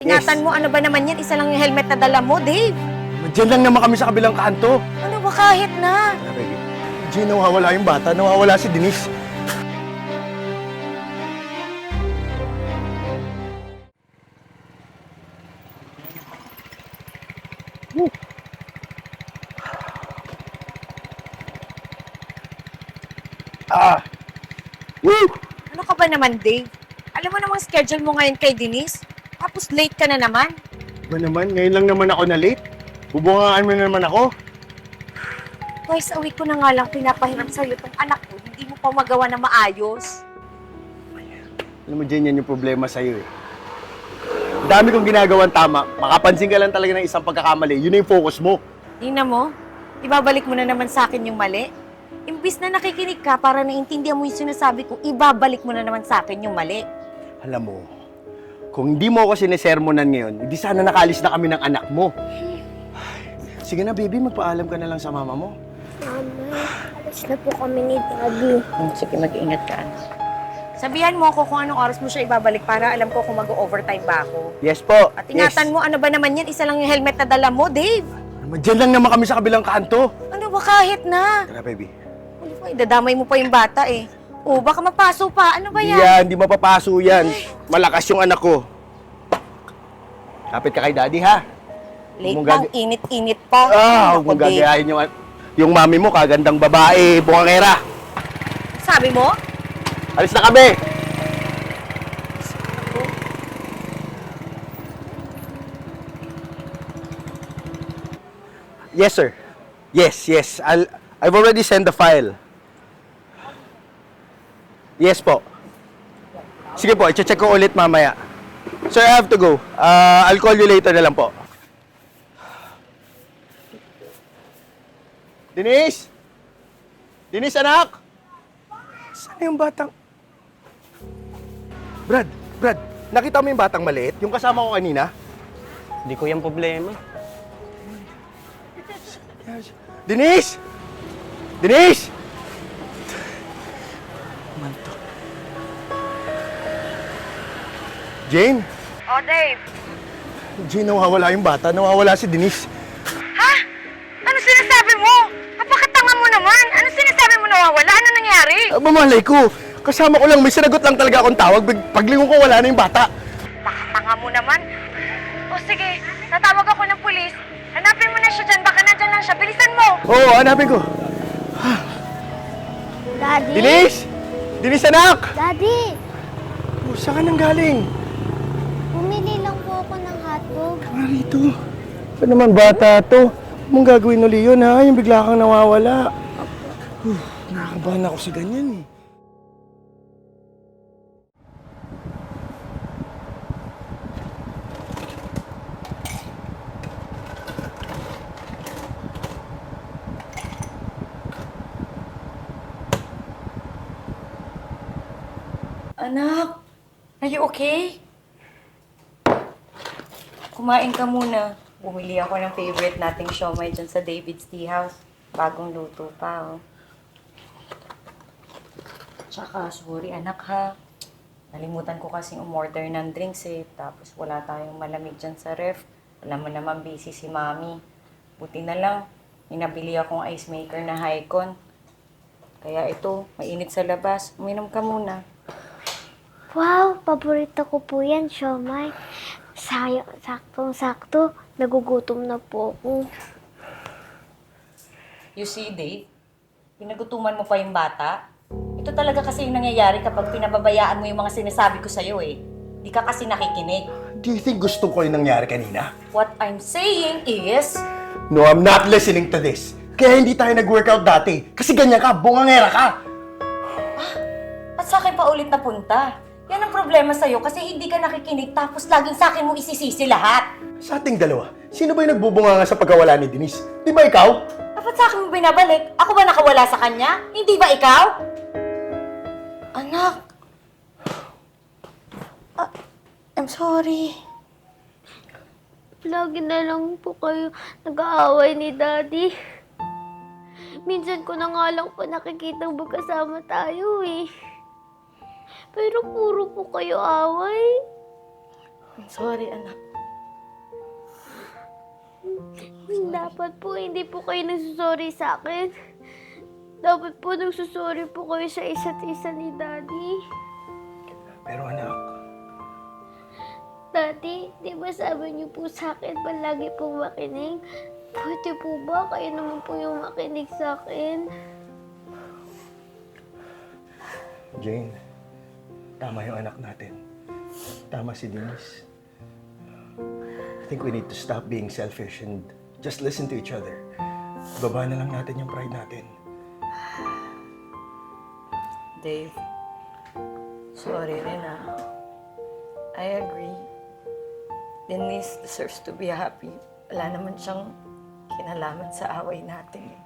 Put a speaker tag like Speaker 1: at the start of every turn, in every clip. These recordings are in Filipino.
Speaker 1: Ingatan mo, ano ba naman yan? Isa lang yung helmet na dala mo, Dave.
Speaker 2: Diyan lang naman kami sa kabilang kanto.
Speaker 1: Ano ba kahit na?
Speaker 2: Baby, Jay, nawawala yung bata. Nawawala si Denise. Woo. Woo!
Speaker 1: Ano ka ba naman, Dave? Alam mo namang schedule mo ngayon kay Denise? Tapos late ka na naman.
Speaker 2: Ba naman, ngayon lang naman ako na late. Bubungaan mo na naman ako.
Speaker 1: Twice a week ko na nga lang pinapahiram sa'yo tong anak ko. Hindi mo pa magawa na maayos.
Speaker 2: Alam mo, Jen, yan yung problema sa'yo eh. Ang dami kong ginagawang tama. Makapansin ka lang talaga ng isang pagkakamali. Yun na yung focus mo.
Speaker 1: Tingnan mo, ibabalik mo na naman sa akin yung mali. Imbis na nakikinig ka para naiintindihan mo yung sinasabi ko, ibabalik mo na naman sa akin yung mali.
Speaker 2: Alam mo, kung hindi mo ako sinesermonan ngayon, hindi sana nakalis na kami ng anak mo. Sige na, baby, magpaalam ka na lang sa mama mo.
Speaker 3: Mama, alas na po kami ni Daddy.
Speaker 1: Sige, mag-ingat ka. Sabihan mo ako kung anong oras mo siya ibabalik para alam ko kung mag-overtime ba ako.
Speaker 2: Yes po.
Speaker 1: At ingatan mo, ano ba naman yan? Isa lang yung helmet na dala mo, Dave.
Speaker 2: Diyan lang naman kami sa kabilang kanto.
Speaker 1: Ano ba kahit na?
Speaker 2: Tara, baby.
Speaker 1: Ano ba, idadamay mo pa yung bata eh. O, baka mapaso pa. Ano ba
Speaker 2: Hindi
Speaker 1: yan?
Speaker 2: yan, hindi mapapaso yan. Malakas yung anak ko. Kapit ka kay daddy, ha?
Speaker 1: Late
Speaker 2: Huwag
Speaker 1: lang,
Speaker 2: mong
Speaker 1: init-init pa.
Speaker 2: Huwag mong gagayahin yung mami mo, kagandang babae, bungangera.
Speaker 1: Sabi mo?
Speaker 2: Alis na kami! Yes, sir. Yes. I've already sent the file. Yes po. Sige po, i-check ko ulit mamaya. Sir, I have to go. I'll call you later na lang po. Denise? Denise, anak? Saan yung batang... Brad, nakita mo yung batang maliit? Yung kasama ko kanina?
Speaker 4: Hindi ko yung problema.
Speaker 2: Denise! Denise! Manto. Jane?
Speaker 1: Oh, Dave.
Speaker 2: Jane, nawawala yung bata. Nawawala si Denise.
Speaker 1: Ha? Ano sinasabi mo? Napakatanga mo naman. Ano sinasabi mo nawawala? Ano nangyari?
Speaker 2: Mamalay ko. Kasama ko lang. May sinagot lang talaga akong tawag. Paglingon ko, wala na yung bata.
Speaker 1: Pakatanga mo naman. O sige, tatawag ako ng pulis. Hanapin mo na siya dyan. Baka nandyan lang siya. Bilisan mo.
Speaker 2: Oo, hanapin ko.
Speaker 3: Daddy?
Speaker 2: Denise! Denise, anak!
Speaker 3: Daddy,
Speaker 2: Oh, saan ka nang galing?
Speaker 3: bumili lang po ako ng hotdog.
Speaker 2: Nga rito. Ano naman bata to? Huwag mong gagawin uli yun, ha? Yung bigla kang nawawala. Nakakabahan ako sa ganyan, eh.
Speaker 1: Anak, are you okay? Kumain ka muna. Bumili ako ng favorite nating siomai dyan sa David's Tea House. Bagong luto pa, oh. Tsaka, sorry anak ha. Nalimutan ko kasing umorder ng drinks eh. Tapos wala tayong malamig dyan sa ref. Alam mo naman busy si mami. Buti na lang, inabili akong ice maker na Hycon. Kaya ito, mainit sa labas. Uminom ka muna.
Speaker 3: Wow, paborito ko po yan, siomai. Saktong-sakto, nagugutom na po ako.
Speaker 1: You see, Dave, pinagutuman mo pa yung bata. Ito talaga kasi yung nangyayari kapag pinababayaan mo yung mga sinasabi ko sa'yo eh. Di ka kasi nakikinig.
Speaker 2: Do you think gusto ko yung nangyari kanina?
Speaker 1: What I'm saying is...
Speaker 2: No, I'm not listening to this. Kaya hindi tayo nag-workout dati. Kasi ganyan ka, bungangera ka.
Speaker 1: At sa akin pa ulit na punta. Yan ang problema sa'yo kasi hindi ka nakikinig tapos laging sa akin mo isisisi lahat.
Speaker 2: Sa ating dalawa, sino ba yung nagbubunganga sa pagkawala ni Denise? Di ba ikaw?
Speaker 1: Dapat sa akin mo binabalik. Ako ba nakawala sa kanya? Hindi ba ikaw? Anak. I'm sorry.
Speaker 3: Lagi na lang po kayo nag-aaway ni Daddy. Minsan ko na nga lang po nakikita magkasama tayo eh. Pero puro po kayo away.
Speaker 1: I'm sorry, anak.
Speaker 3: Dapat po hindi po kayo nagsusorry sa akin. Dapat po nagsusorry po kayo sa isa't isa ni Daddy.
Speaker 2: Pero anak,
Speaker 3: Daddy, di ba sabi niyo po sa akin palagi po makinig? Pwede po ba kayo naman po yung makinig sa akin?
Speaker 2: Jane, tama yung anak natin. Tama si Denise. I think we need to stop being selfish and just listen to each other. Baba na lang natin yung pride natin.
Speaker 1: Dave, sorry rin ah. I agree. Denise deserves to be happy. Wala naman siyang kinalaman sa away natin eh.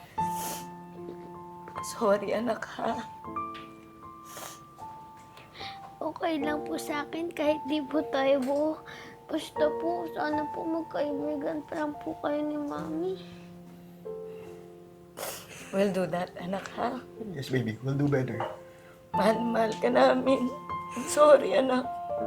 Speaker 1: Sorry anak ha.
Speaker 3: Okay lang po sa akin kahit di po tayo buo. Basta po, sana po magkaibigan pa lang po kayo ni Mami.
Speaker 1: We'll do that anak ha.
Speaker 2: Yes, baby. We'll do better.
Speaker 1: Mahal ka namin. I'm sorry anak.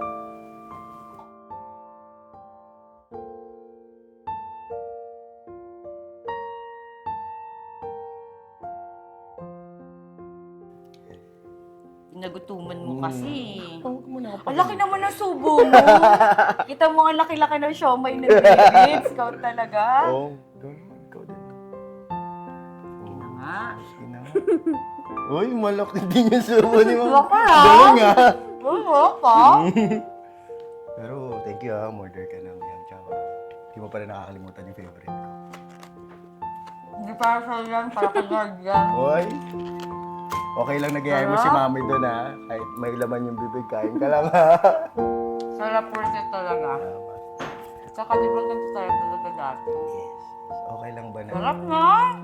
Speaker 1: Nagutuman mo kasi.
Speaker 2: Huwag mo na ako
Speaker 1: Ang laki naman ng subo mo. Kita mo ang laki-laki ng siomay ng David. Ikaw talaga.
Speaker 2: Oo. Ikaw din.
Speaker 1: Ina nga.
Speaker 2: Sige na. Uy, malaki din yung sumo ni Mama.
Speaker 1: Laki, ah.
Speaker 2: Galing ah.
Speaker 1: Oo ka.
Speaker 2: Pero thank you ah. Order ka ng yam chow. Hindi mo pa rin nakakalimutan yung favorite ko.
Speaker 1: Hindi para sa'yo yan. Para kay God yan.
Speaker 2: Uy. Okay lang nagayay mo si Mami doon ha. Kahit may laman yung bibig, kain ka lang ha.
Speaker 1: Sarap portion talaga. Tsaka di ba ganito sarap talaga dati?
Speaker 2: Yes. Okay lang ba na?
Speaker 1: Sarap na.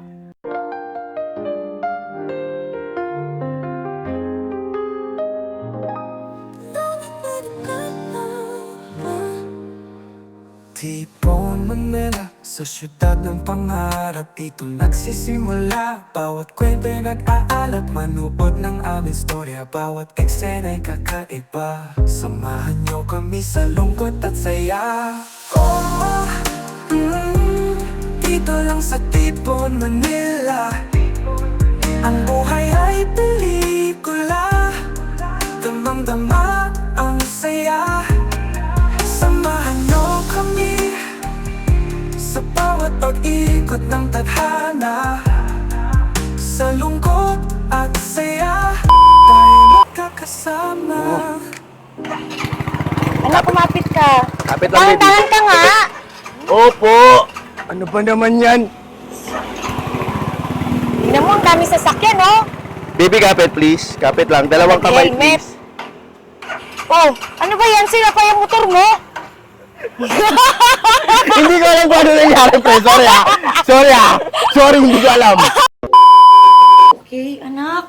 Speaker 5: Tipon Manila, sa syudad ng pangarap dito nagsisimula. Bawat kwenta'y nag-aalat, manood ng aming storya. Bawat eksena'y kakaiba, samahan niyo kami sa lungkot at saya. Oh, dito lang sa Tipon Manila, ang buhay ay pelikula. Damang-dama ang saya, samahan niyo kami sa bawat pag-ikot ng tadhana. Sa lungkot at saya, tayo magkakasama.
Speaker 1: Anak, kumapit ka.
Speaker 2: Kapit lang, baby.
Speaker 1: Tahan ka nga.
Speaker 2: Opo! Ano ba naman yan?
Speaker 1: Tingnan mo, ang dami sasakyan, oh.
Speaker 2: Baby, kapit please. Kapit lang. Dalawang kamay
Speaker 1: Helmet.
Speaker 2: please.
Speaker 1: Oh, ano ba yan? Sila pa yung motor mo?
Speaker 2: Hindi ko alam kung ano nangyari, pre. Sorry ah. Sorry ah. Sorry, hindi ko alam.
Speaker 1: Okay, anak.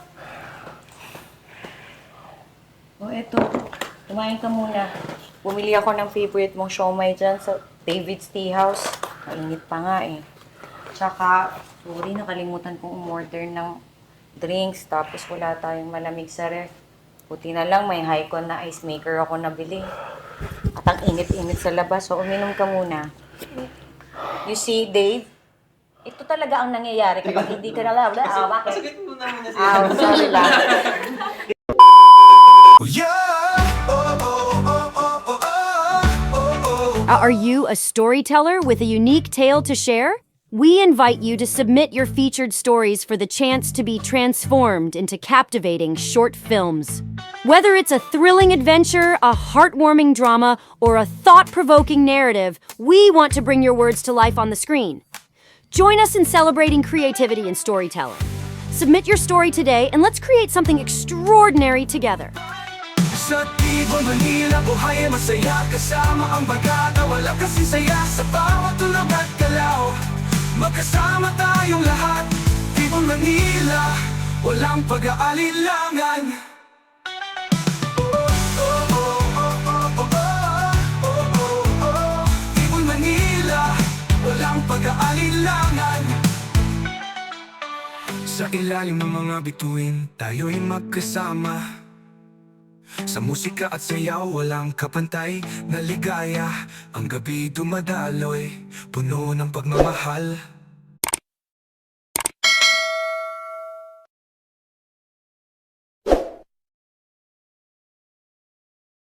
Speaker 1: Oh, eto. Kumain ka muna. Bumili ako ng favorite mong siomay dyan sa David's Tea House. Mainit pa nga eh. Tsaka, sorry, nakalimutan kong umorder ng drinks. Tapos wala tayong malamig sa ref. Buti na lang, may Hycon na ice maker ako nabili. At ang init-init sa labas. So, uminom ka muna. You see, Dave? Ito talaga ang nangyayari kapag hindi ka na bakit? Pasagit mo na muna siya. Sorry lang.
Speaker 6: Are you a storyteller with a unique tale to share? We invite you to submit your featured stories for the chance to be transformed into captivating short films. Whether it's a thrilling adventure, a heartwarming drama, or a thought-provoking narrative, we want to bring your words to life on the screen. Join us in celebrating creativity and storytelling. Submit your story today and let's create something extraordinary together.
Speaker 5: Sa Tipon Manila, buhay ay masaya. Kasama ang bagata, wala kasi saya. Sa bawat tulog at galaw, magkasama tayong lahat. Tipon Manila, walang pag-aalilangan. Tipon Manila, walang pag-aalilangan. Sa ilalim ng mga bituin, tayo'y magkasama. Sa musika at sayaw walang kapantay na ligaya. Ang gabi dumadaloy, puno ng pagmamahal.